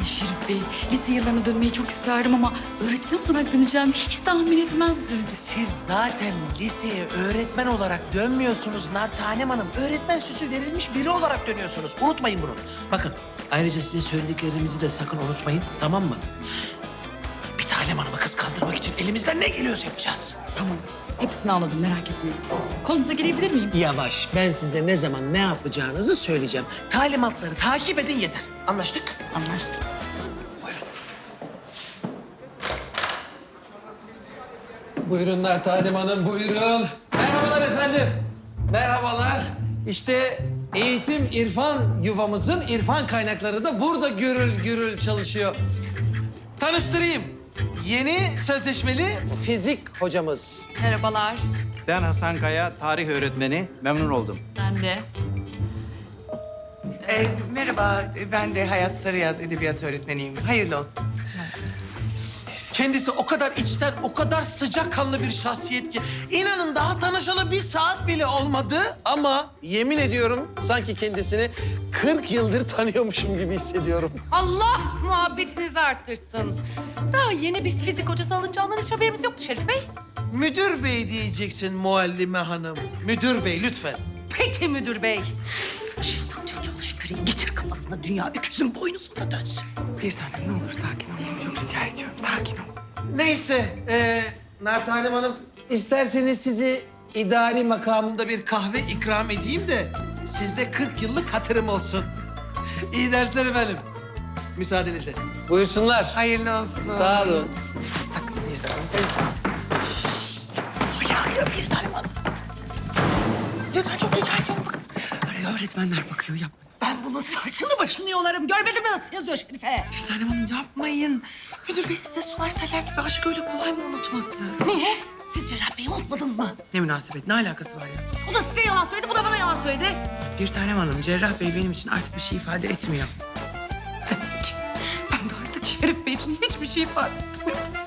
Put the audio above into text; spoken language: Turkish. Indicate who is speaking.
Speaker 1: Şerif Bey, lise yıllarına dönmeyi çok isterdim ama öğretmen olarak döneceğimi hiç tahmin etmezdim.
Speaker 2: Siz zaten liseye öğretmen olarak dönmüyorsunuz Nartanem Hanım. Öğretmen süsü verilmiş biri olarak dönüyorsunuz. Unutmayın bunu. Bakın ayrıca size söylediklerimizi de sakın unutmayın, tamam mı? Bir Tanem Hanım'ı kıskandırmak için elimizden ne geliyorsa yapacağız.
Speaker 1: Tamam, hepsini anladım, merak etmeyin. Kolunuza girebilir miyim?
Speaker 2: Yavaş, ben size ne zaman ne yapacağınızı söyleyeceğim. Talimatları takip edin yeter. Anlaştık?
Speaker 1: Anlaştık.
Speaker 2: Buyurun.
Speaker 3: Buyurunlar Talim Hanım, buyurun. Merhabalar efendim. Merhabalar. İşte eğitim irfan yuvamızın irfan kaynakları da burada gürül gürül çalışıyor. Tanıştırayım. Yeni sözleşmeli fizik hocamız.
Speaker 1: Merhabalar,
Speaker 4: Ben Hasan Kaya, tarih öğretmeni. Memnun oldum.
Speaker 1: ben de.
Speaker 5: Merhaba, ben de Hayat Sarıyaz edebiyat öğretmeniyim. Hayırlı olsun.
Speaker 2: Kendisi o kadar içten, o kadar sıcakkanlı bir şahsiyet ki... ...inanın daha tanışalı bir saat bile olmadı.
Speaker 3: Ama yemin ediyorum sanki kendisini 40 yıldır tanıyormuşum gibi hissediyorum.
Speaker 6: Allah muhabbetinizi arttırsın. Daha yeni bir fizik hocası alınacağından hiç haberimiz yoktu Şerif Bey.
Speaker 2: Müdür bey diyeceksin muallime hanım. Müdür bey lütfen.
Speaker 6: Peki müdür bey.
Speaker 1: Şimdi çalış küreği geçir kafasına, dünya öküzün boynuzunda dönsün.
Speaker 5: Bir tanem ne olur sakin ol. Çok rica ediyorum, sakin ol.
Speaker 2: Neyse, Nartanem Hanım... ...isterseniz sizi idari makamında bir kahve ikram edeyim de... ...sizde 40 yıllık hatırım olsun. İyi dersler efendim. Müsaadenizle.
Speaker 3: Buyursunlar.
Speaker 5: Hayırlı olsun.
Speaker 3: Sağ olun.
Speaker 5: Sakın bir daha.
Speaker 2: Hayır, bir tanem hanım. Lütfen çok rica ediyorum bakın.
Speaker 5: Öyle öğretmenler bakıyor, yapma.
Speaker 6: Ben bunun saçını başını yolarım. Görmedin mi nasıl yazıyor Şerife?
Speaker 5: Bir tanem hanım yapmayın. Müdür bey size sular seller gibi aşk öyle kolay mı unutması?
Speaker 6: Niye? Siz Cerrah Bey'i unutmadınız mı?
Speaker 5: Ne münasebet, ne alakası var ya?
Speaker 6: O da size yalan söyledi, bu da bana yalan söyledi.
Speaker 5: Bir tanem hanım, Cerrah Bey benim için artık bir şey ifade etmiyor. Demek ki ben de artık Şerif Bey için hiçbir şey ifade etmiyorum.